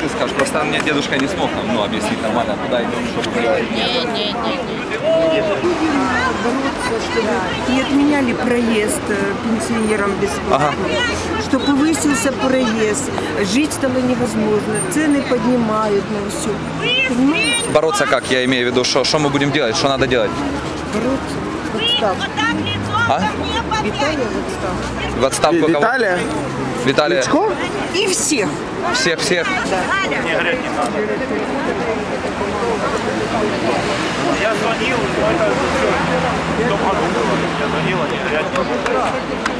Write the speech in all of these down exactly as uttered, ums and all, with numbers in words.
ты скажешь? Просто мне дедушка не смог нам, ну, объяснить нормально, куда идем, что делать. Не, не, не, бороться, чтобы не отменяли проезд пенсионерам бесплатно, ага. Что повысился проезд, жить стало невозможно, цены поднимают на все. Понимаете? Бороться как? Я имею в виду, что, что мы будем делать, что надо делать? Бороться в отставку. А? Виталия в отставку. В отставку кого? Виталия? Виталия. Личко? И всех. Всех, всех. Да. Не греть не надо. Я звонил, но это все. В том году было. Я звонила, не греть не надо.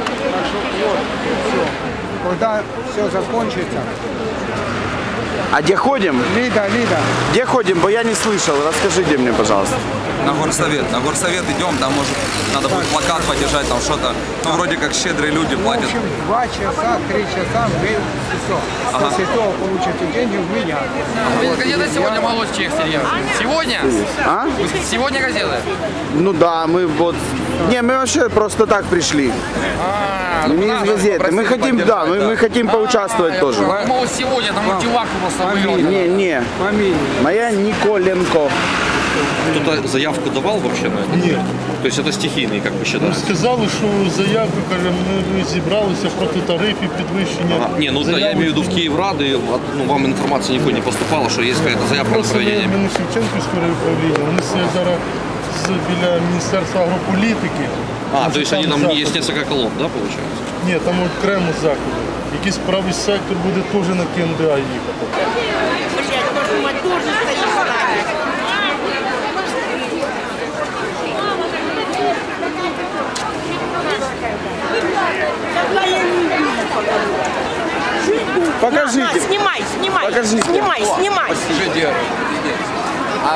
Когда все закончится. А где ходим? Лида, Лида. Где ходим? Бо я не слышал. Расскажите мне, пожалуйста. На горсовет. На горсовет идем, там может надо будет плакат подержать, там что-то. Ну, вроде как щедрые люди платят. В общем, два часа, три часа вы все. Ага. После того получите деньги у меня. Вы газета сегодня молочный экстерьер? Сегодня? А? Вы сегодня газеты? Ну да, мы вот... Не, мы вообще просто так пришли. А, мы не из газеты. Мы хотим, да, мы, мы хотим поучаствовать а, тоже. Я думал, сегодня там мультивак просто выиграл. Не, не. Фамилия. Моя Николенко. Кто-то заявку давал вообще на это? Ні. То есть это стихийный, как вы считаете? Сказали, що заявку, каже, ми зібралися проти тарифів, підвищення. Ага. Не, ну да, я имею в виду в Киеврады, ну, вам информация никакой не поступала, что есть какая-то заявка на проведение. Ми Шевченківського управління, вони стоять зараз біля Міністерства агрополітики. А, то есть они там заходи. есть несколько колонн, да, получается? Ні, там окремо заходи. Якийсь правий сектор буде теж на КНДА їхати. Покажите. На, на, снимай, снимай, Покажите. снимай, снимай. Что делать? А...